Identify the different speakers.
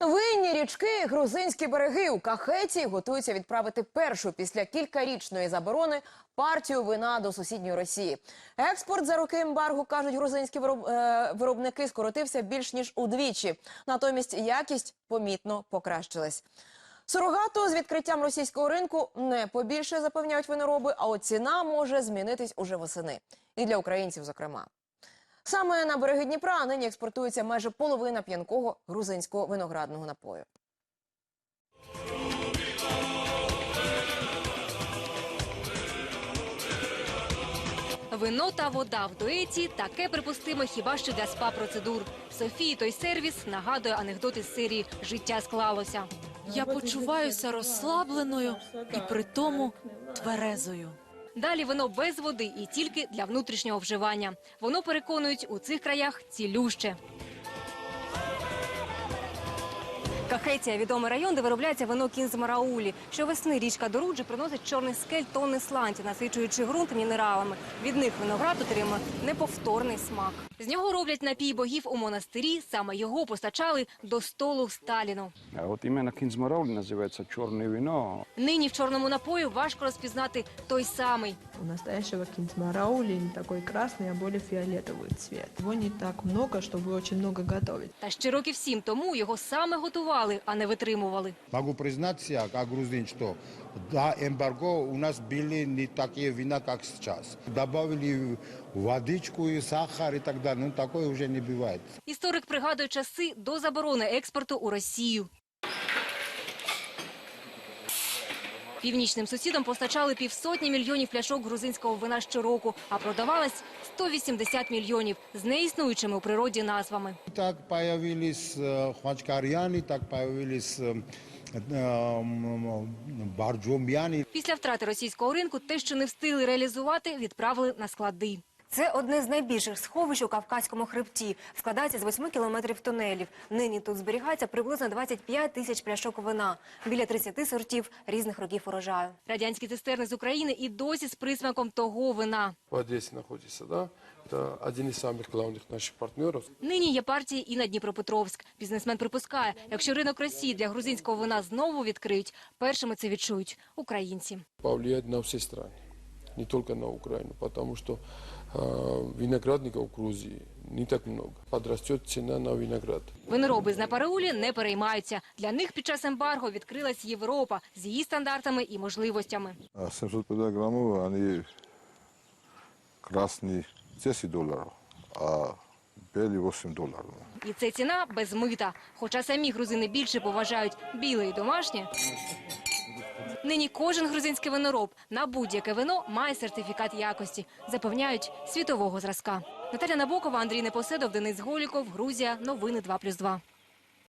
Speaker 1: Винні річки, грузинські береги. У Кахеті готуються відправити першу після кількарічної заборони партію вина до сусідньої Росії. Експорт за роки ембарго, кажуть грузинські виробники, скоротився більш ніж удвічі. Натомість якість помітно покращилась. Сурогату з відкриттям російського ринку не побільше, запевняють винороби, а от ціна може змінитись уже восени. І для українців, зокрема. Саме на береги Дніпра нині експортується майже половина п'янкого грузинського виноградного напою.
Speaker 2: Вино та вода в дуеті – таке припустимо хіба що для спа-процедур. Софії той сервіс нагадує анекдот із серії «Життя склалося».
Speaker 3: Я почуваюся розслабленою і при тому тверезою.
Speaker 2: Далі вино без води і тільки для внутрішнього вживання. Воно, переконують, у цих краях цілюще. Кахетія – відомий район, де виробляється вино Кінзмараулі. Щовесни річка Доруджі приносить чорний скель тонни сланцю, насичуючи ґрунт мінералами. Від них виноград отримує неповторний смак. З нього роблять напій богів у монастирі, саме його постачали до столу Сталіну.
Speaker 4: А от іменно Кінзмараулі називається чорне вино.
Speaker 2: Нині в чорному напою важко розпізнати той самий.
Speaker 5: У настоящего Кінзмараули не такой красный, а более фиолетовый цвет. Его не так много, чтобы очень много готовить.
Speaker 2: Та ще років 7 тому його саме готували, а не витримували.
Speaker 6: Могу признаться, как грузин, что до эмбарго у нас были не такие вина, как сейчас. Добавили водичку, и сахар и так далее. Ну, такое уже не бывает.
Speaker 2: Історик пригадує часи до заборони експорту у Росію. Північним сусідам постачали 500 мільйонів пляшок грузинського вина щороку, а продавалось 180 мільйонів з неіснуючими у природі назвами.
Speaker 6: Так появились хвачкарьяни, так появились барджом'яни.
Speaker 2: Після втрати російського ринку те, що не встигли реалізувати, відправили на склади. Це одне з найбільших сховищ у Кавказькому хребті. Складається з 8 кілометрів тунелів. Нині тут зберігається приблизно 25 тисяч пляшок вина. Біля 30 сортів різних років урожаю. Радянські цистерни з України і досі з присмаком того вина.
Speaker 7: В Одесі знаходиться, да? Це один із самих головних наших партнерів.
Speaker 2: Нині є партії і на Дніпропетровськ. Бізнесмен припускає, якщо ринок Росії для грузинського вина знову відкриють, першими це відчують українці.
Speaker 7: Повлияє на всі країни, не тільки на Україну, тому що виноградників в Грузії не так много. Подросте ціна на виноград.
Speaker 2: Винороби з Напараулі не переймаються. Для них під час ембарго відкрилась Європа з її стандартами і можливостями.
Speaker 8: 750 грамів, вони красні $10, а білі $8.
Speaker 2: І це ціна без мита. Хоча самі грузини більше поважають біле і домашнє. Нині кожен грузинський винороб на будь-яке вино має сертифікат якості, запевняють, світового зразка. Наталя Набокова, Андрій Непоседов, Денис Голіков, Грузія, новини 2+2.